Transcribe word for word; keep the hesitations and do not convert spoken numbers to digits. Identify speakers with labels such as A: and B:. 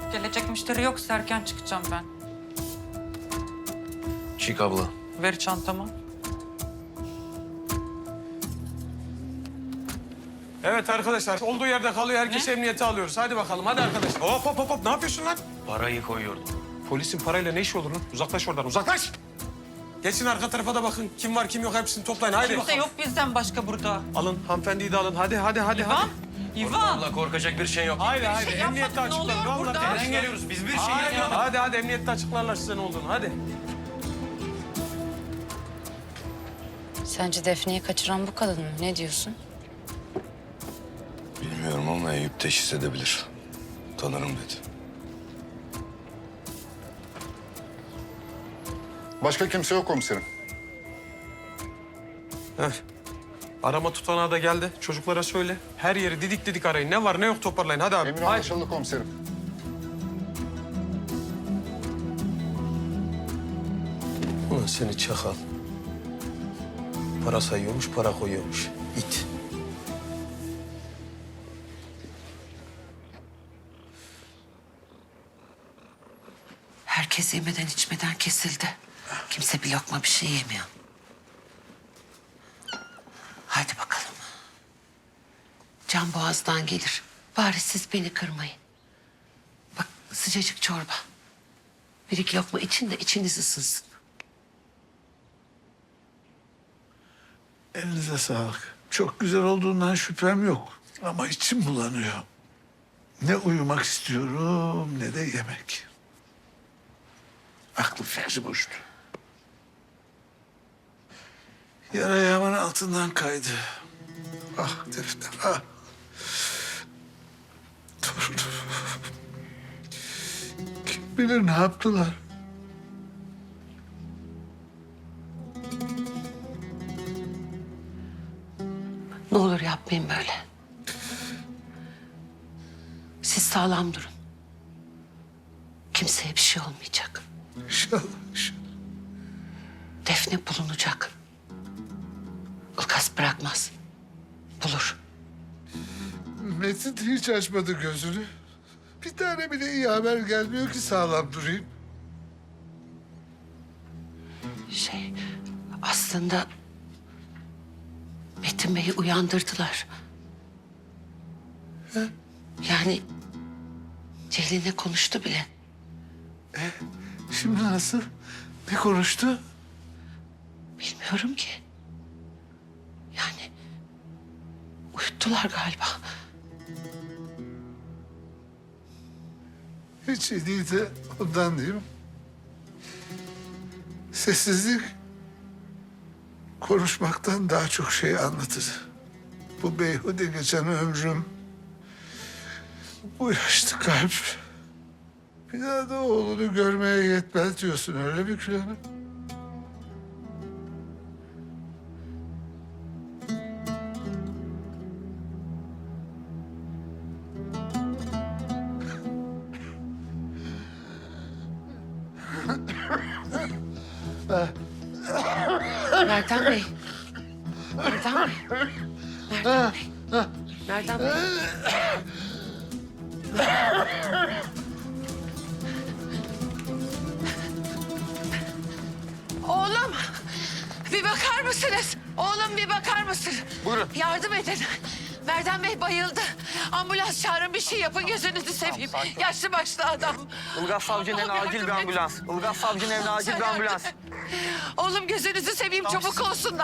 A: Gelecek müşteri yoksa erken çıkacağım ben.
B: Çık abla.
A: Ver çantamı.
C: Evet arkadaşlar, olduğu yerde kalıyor. Herkes
A: Ne?
C: emniyete alıyoruz. Hadi bakalım, hadi arkadaşlar. Hop hop hop hop, ne yapıyorsun lan?
B: Parayı koyuyordum.
C: Polisin parayla ne işi olur lan? Uzaklaş oradan, uzaklaş! Geçin arka tarafa da bakın. Kim var kim yok hepsini toplayın. Haydi
A: Kimse
C: bakalım.
A: yok bizden başka burada.
C: Alın, hanımefendiyi de alın. Hadi hadi hadi.
A: İvan,
C: hadi.
A: İvan.
B: Abla korkacak bir şey yok.
C: Haydi
A: Bir
C: haydi,
A: şey
C: emniyette
A: yapmadık, ne
C: açıklarız.
A: oluyor
C: Vallahi
A: burada?
C: neden
B: geliyoruz? Biz bir şey
C: Haydi,
B: yapmadık.
C: hadi hadi, emniyette açıklarlar size ne olduğunu. Hadi.
D: Sence Defne'yi kaçıran bu kadın mı? Ne diyorsun?
E: Bilmiyorum ama Eyüp teşhis edebilir. Tanırım dedi.
F: Başka kimse yok komiserim.
C: Heh. Arama tutanağı da geldi. Çocuklara söyle. Her yeri didik didik arayın. Ne var ne yok toparlayın. Hadi abi.
F: Emir
C: Haydi.
F: anlaşıldı komiserim.
C: Ulan seni çakal. Para sayıyormuş, para koyuyormuş. İt.
G: Herkes yemeden içmeden kesildi. Kimse bir lokma bir şey yemiyor. Hadi bakalım. Can boğazdan gelir. Bari siz beni kırmayın. Bak sıcacık çorba. Bir iki lokma için de içiniz ısınsın.
H: Elinize sağlık. Çok güzel olduğundan şüphem yok. Ama içim bulanıyor. Ne uyumak istiyorum ne de yemek. Aklı fikri boştu. Yara ayağımın altından kaydı. Ah Defne, ah. Torunum. Kim bilir ne yaptılar?
G: Ne olur yapmayın böyle. Siz sağlam durun. Kimseye bir şey olmayacak.
H: İnşallah, inşallah.
G: Defne bulunacak. Ilgaz bırakmaz. Bulur.
H: Metin hiç açmadı gözünü. Bir tane bile iyi haber gelmiyor ki sağlam durayım.
G: Şey, aslında Metin Bey'i uyandırdılar. Yani Ceylin'le konuştu bile.
H: Şimdi nasıl? Ne konuştu?
G: Bilmiyorum ki. Yani uyuttular galiba.
H: Hiç iyi değil de ondan değil mi? Sessizlik konuşmaktan daha çok şey anlatır. Bu beyhude geçen ömrüm, bu yaşlı kalp. Bir daha da oğlunu görmeye yetmez diyorsun öyle mi Gül Hanım?
G: Merdan Bey. Merdan Bey. Merdan Bey. Merdan Bey. Oğlum, bir bakar mısınız? Oğlum bir bakar mısın? Buyurun. Yardım edin. Merdan Bey bayıldı. Ambulans çağırın, bir şey yapın, gözünüzü seveyim. Yaşlı başlı adam.
I: Ilgaz Savcı'nın evine
G: Allah'ım
I: acil bir
G: yardım et.
I: ambulans. Ilgaz Savcı'nın evine acil bir ambulans.
G: Oğlum gözünüzü seveyim, çabuk olsun.